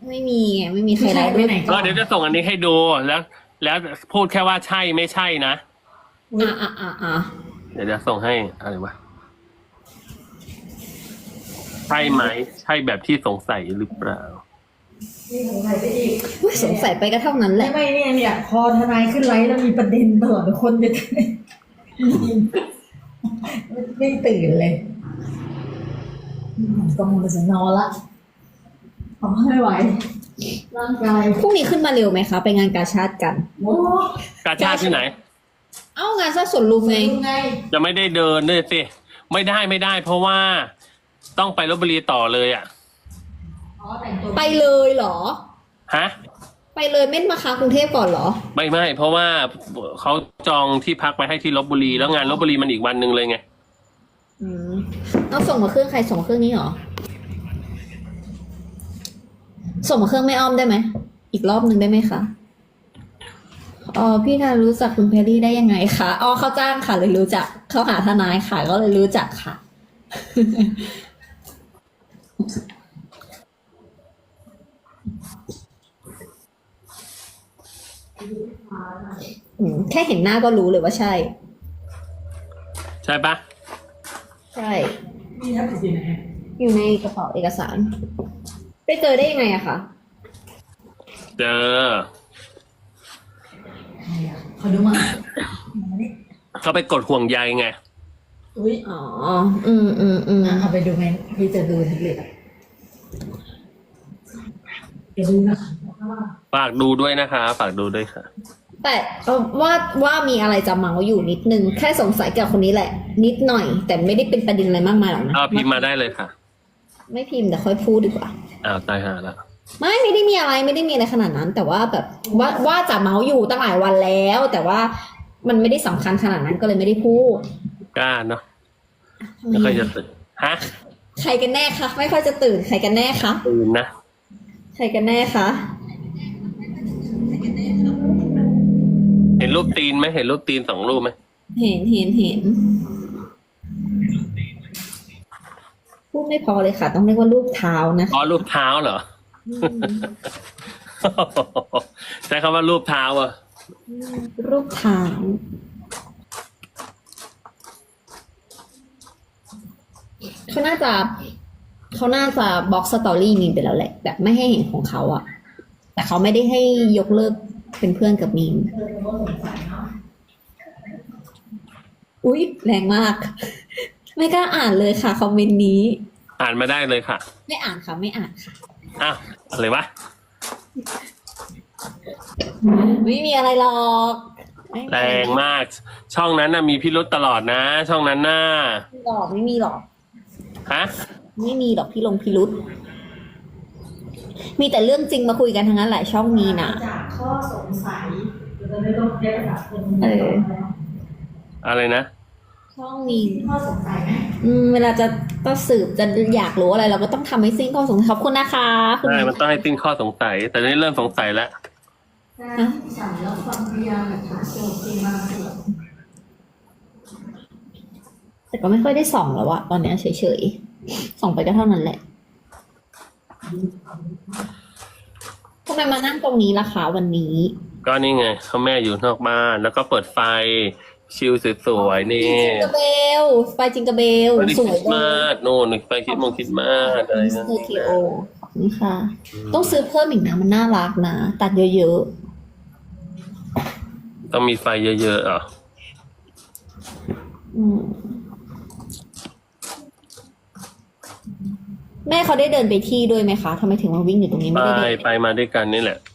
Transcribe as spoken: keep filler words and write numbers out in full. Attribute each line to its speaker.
Speaker 1: ไม่มีไงไม่มีใครไลฟ์ด้วย
Speaker 2: ก็เดี๋ยวจะส่งอันนี้ให้ดูแล้ว แล้วพูดแค่ว่าใช่ไม่ใช่นะ
Speaker 1: อ่ะอ่ะอ่ะอ่ะ
Speaker 2: เดี๋ยวจะส่งให้อะไรวะใช่ไหมใช่แบบที่สงสัยหรือเปล่า
Speaker 3: นี่สงสัยไปอีก
Speaker 1: อุ๊ยสงสัยไปก็เท่านั้นแห
Speaker 3: ไม่
Speaker 1: ละ
Speaker 3: ไม่เนี่ยเนี่ยพอทนายขึ้นไลฟ์แล้วมีประเด็นตลอดคนจะไม่ตื่นเลยก็มันจะนอนละอ๋อไม่ไหวร่างกาย
Speaker 1: พรุ่งนี้ขึ้นมาเร็วไหมคะไปงานกาชาติกัน
Speaker 3: โอ้
Speaker 2: กาชาติที่ไหน
Speaker 1: เอ้างานซะสวนลุมไง
Speaker 3: ไง
Speaker 2: จะไม่ได้เดินด้วยสิไม่ได้ไม่ได้ เพราะว่าต้องไปลพบุรีต่อเลยอ่ะ
Speaker 3: อ๋อแต่งตัว
Speaker 1: ไปเลยเหรอ
Speaker 2: ฮะ
Speaker 1: ไปเลยไม่มาค้างกรุงเทพก่อนเหรอ
Speaker 2: ไม่ไม่เพราะว่าเขาจองที่พักไปให้ที่ลพบุรีแล้วงานลพบุรีมันอีกวันหนึ่งเลยไง
Speaker 1: อืมเอาส่งมาเครื่องใครส่งมาเครื่องนี้เหรอ ส่งมาเครื่องไม่อ้อมได้ไหม อีกรอบหนึ่งได้ไหมคะ อ๋อพี่ทารู้จักคุณเพรรี่ได้ยังไงคะอ๋อเขาจ้างค่ะเลยรู้จักเขาหาทนายค่ะก็เลยรู้จักค่ะ อืมแค่เห็นหน้าก็รู้เลยว่าใช่
Speaker 2: ใช่ปะ
Speaker 3: ใช่มีทับสินไหน
Speaker 1: อยู่ในกระเป๋าเอกสาร ไปเจอได้ยังไงอะคะ
Speaker 2: เจอ
Speaker 3: ขอดูมา
Speaker 2: เขาไปกดห่วงใยไง
Speaker 3: อุ้ย
Speaker 1: อ๋อ อืมอืมอืม
Speaker 3: เอาไปดูไหมพี่จะดูทับเล็ตอ่ะเดี๋ยวดูนะคะ
Speaker 2: ฝากดูด้วยนะคะ ฝากดูด้วยค่ะ
Speaker 1: แต่เอ่อว่าว่ามีอะไรจะเมาอยู่นิดนึง แค่สงสัยเกี่ยวกับคนนี้แหละ นิดหน่อย แต่ไม่ได้เป็นประเด็นอะไรมากมายหรอกนะ
Speaker 2: เอาพิมพ์มาได้เลยค่ะ
Speaker 1: ไม่พิมพ์แต่ค่อยพูดดีกว่า
Speaker 2: อ้าวตายหาละ
Speaker 1: ไม่ไม่ได้มีอะไรไม่ได้มีอะไรขนาดนั้น แต่ว่าแบบว่าว่าจะเมาอยู่ตั้งหลายวันแล้ว แต่ว่ามันไม่ได้สำคัญขนาดนั้นก็เลยไม่ได้พูด
Speaker 2: กล้าเนาะไม่ค่อยจะตื่นฮะ
Speaker 1: ใครกันแน่คะไม่ค่อยจะตื่นใครกันแน่คะ
Speaker 2: ตื่นนะ
Speaker 1: ใครกันแน่คะ
Speaker 2: เห็นรูปตีนไหมเห็นรูปตีนสองรูปไหม
Speaker 1: เห็นเห็นเห็นพูดไม่พอเลยค่ะ ต้องเรียกว่ารูปเท้านะ
Speaker 2: อ๋อรูปเท้าเหรอ
Speaker 1: อืม
Speaker 2: ใช้คำว่ารูปเท้าอ่ะ
Speaker 1: รูปเท้าเขาน่าจะเขาน่าจะบล็อกสตอรี่มีนไปแล้วแหละ แบบไม่ให้เห็นของเขาอะแต่เขาไม่ได้ให้ยกเลิกเป็นเพื่อนกับมีนอุ๊ยแรงมาก ไม่กล้าอ่านเลยค่ะคอมเมนต์นี้
Speaker 2: อ่านมาได้เลยค่ะ
Speaker 1: ไม่อ่านค่ะไม่อ่านค่ะ
Speaker 2: อ้าวอะไรวะ
Speaker 1: ไม่มีอะไรหรอกไม่มี
Speaker 2: แร
Speaker 1: อะไร
Speaker 2: งมาก ช่องนั้นน่ะมีพิรุษตลอดนะ ช่องนั้นน่ะ
Speaker 1: หรอกไม่มีหรอก
Speaker 2: ฮะ
Speaker 1: ไม่มีหรอกพี่ลงพิรุษมีแต่เรื่องจริงมาคุยกันทั้งนั้นแหละช่องนี้นะ
Speaker 3: จากข้อสงสัยจะไม่ต้องเรียกภาษาคน
Speaker 1: เออ
Speaker 2: อะไรนะ
Speaker 1: ช่องนี้
Speaker 3: ข้อสงสัยไหม
Speaker 1: อืมเวลาจะต้องสืบจะอยากรู้อะไร เราก็ต้องทำให้สิ้นข้อสงสัยขอบคุณนะคะคุณ
Speaker 2: ใช่ มันต้องให้ติ้งข้อสงสัย แต่นี่เริ่มสงสัยแล้ว
Speaker 3: การสั่งรับฟังพยานหลักฐานโจทย์จริงมาส่วน
Speaker 1: แต่ก็ไม่ค่อยได้ส่องแล้วอะตอนเนี้ยเฉยๆส่องไปก็เท่านั้นแหละทำไมมานั่งตรงนี้ล่ะคะวันนี้
Speaker 2: ก็นี่ไงเขาแม่อยู่นอกบ้าน แล้วก็เปิดไฟ ชิลสวยๆนี่
Speaker 1: จิงกระเบลไฟจิงกระเบล
Speaker 2: วันนี้
Speaker 1: ส
Speaker 2: ค
Speaker 1: วย
Speaker 2: ริสต์
Speaker 1: เล
Speaker 2: มาย สโน่นไปคริดมงคริดมาสอะไร
Speaker 1: มิส
Speaker 2: นะ
Speaker 1: เตอร์ทีโอขอบคุณค่ะ ต้องซื้อเพิ่มอีกนะมันน่ารักนะ ตัดเยอะ
Speaker 2: ต้องมีไฟเยอะๆอ่ะ
Speaker 1: ๆอืมแม่เขาได้เดินไปที่ด้วยไหมคะทำไมถึงมาวิ่งอยู่ตรงนี้
Speaker 2: ไป
Speaker 1: ไม่ได้เดิน
Speaker 2: ไปมาด้วยกันนี่แหละ